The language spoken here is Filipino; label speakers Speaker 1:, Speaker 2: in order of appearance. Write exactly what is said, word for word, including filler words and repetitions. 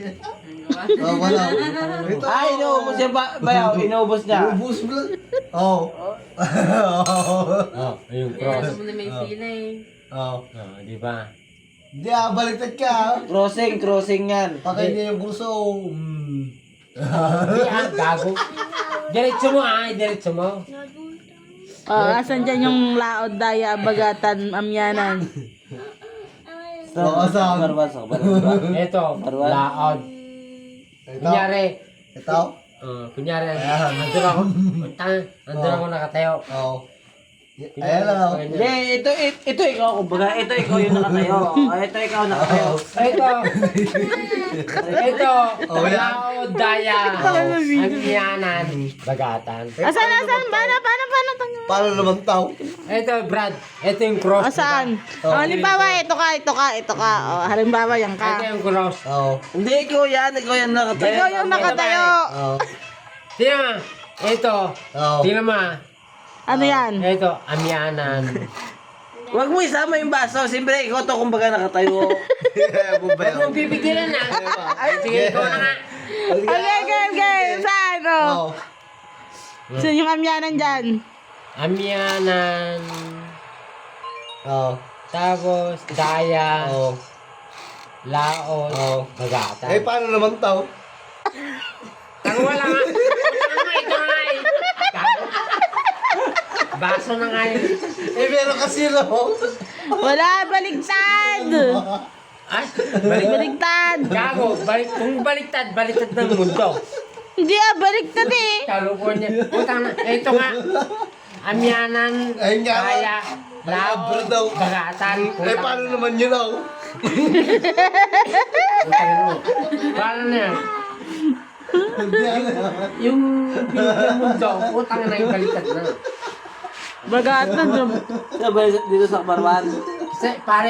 Speaker 1: Oh, wala. Ito.
Speaker 2: Ay, inuubos niya ba? Bayaw, inuubos niya.
Speaker 1: Ubus mo lang. Oo.
Speaker 3: Oh, yung cross.
Speaker 4: Ano mo na may sila eh.
Speaker 1: Oo.
Speaker 3: Oh, di ba?
Speaker 1: Hindi ah, baliktad ka ah.
Speaker 2: Crossing, crossing yan.
Speaker 1: Pakay niya yung kurso. Mm.
Speaker 3: Di ah, gago. Diretso mo ah, diretso mo.
Speaker 5: Oh, asan dyan yung laod, daya, bagatan, amyanan?
Speaker 1: Oo, saan?
Speaker 2: Barban, sa barban.
Speaker 3: Ito,
Speaker 2: Barban.
Speaker 3: laod.
Speaker 1: Ito.
Speaker 3: Kunyari,
Speaker 1: Ito.
Speaker 3: uh, kunyari,
Speaker 1: Ayan.
Speaker 3: andun ako, tang, andun ako nakatayo.
Speaker 1: Oo. Ayan lang ako.
Speaker 2: Hindi, ito, ito, ito ikaw, kumbaga, ito ikaw yung nakatayo. Oh, ito ikaw nakatayo.
Speaker 3: Ito, ito,
Speaker 1: Oh, yan.
Speaker 3: laod, daya, amyanan, bagatan.
Speaker 5: Asan, asan? Paano, paano, paano? paano?
Speaker 1: Paano naman tao?
Speaker 3: Ito, Brad, ito yung cross.
Speaker 5: Asan?
Speaker 1: Oh.
Speaker 5: Oh, halimbawa, ito ka, ito ka, ito ka. Oh, halimbawa, yan
Speaker 3: Diba? Ito
Speaker 5: ka.
Speaker 3: yung cross.
Speaker 1: Oo.
Speaker 2: Hindi, ikaw yan, ikaw yan nakatayo.
Speaker 5: Ikaw yung nakatayo.
Speaker 1: Oo.
Speaker 3: Tingnan mo, ito,
Speaker 1: Oo.
Speaker 3: tingnan mo, ah.
Speaker 5: Ano yan?
Speaker 3: ito, amyanan.
Speaker 2: Huwag mo isama yung baso. Siyempre, ikaw to kumbaga nakatayo.
Speaker 3: Huwag mong pipigilan na. Sige, ikaw na nga.
Speaker 5: Okay, game, game. Saan? Oh.
Speaker 1: Oo.
Speaker 5: Saan yung amyanan dyan?
Speaker 3: Amyanan,
Speaker 1: Oo.
Speaker 3: tapos, daya,
Speaker 1: Oo.
Speaker 3: laot,
Speaker 1: Oo.
Speaker 3: bagatan.
Speaker 1: Eh, paano naman tao?
Speaker 3: Ang wala nga. Wala nga, ito nga eh. Gago. Baso na nga yun.
Speaker 1: Eh, meron kasi no.
Speaker 5: Wala, baligtad.
Speaker 3: Ay, balik.
Speaker 5: Baligtad.
Speaker 3: Gago, balik. Kung baliktad, baliktad ng mundo.
Speaker 5: Hindi ah, baligtad eh.
Speaker 3: California. Utang na. Ito nga. Amyanan,
Speaker 1: Ayun nga.
Speaker 3: daya,
Speaker 1: Labra
Speaker 3: laot,
Speaker 1: daw.
Speaker 3: bagatan.
Speaker 1: Eh, paano naman yun ako?
Speaker 3: Utang mo. Paano na yan?
Speaker 1: Hindi alam.
Speaker 3: Yung binigyan mundo, utang na yung baliktad na.
Speaker 5: Bagatan.
Speaker 2: Sabay dito sa barban.
Speaker 3: Kasi, pare,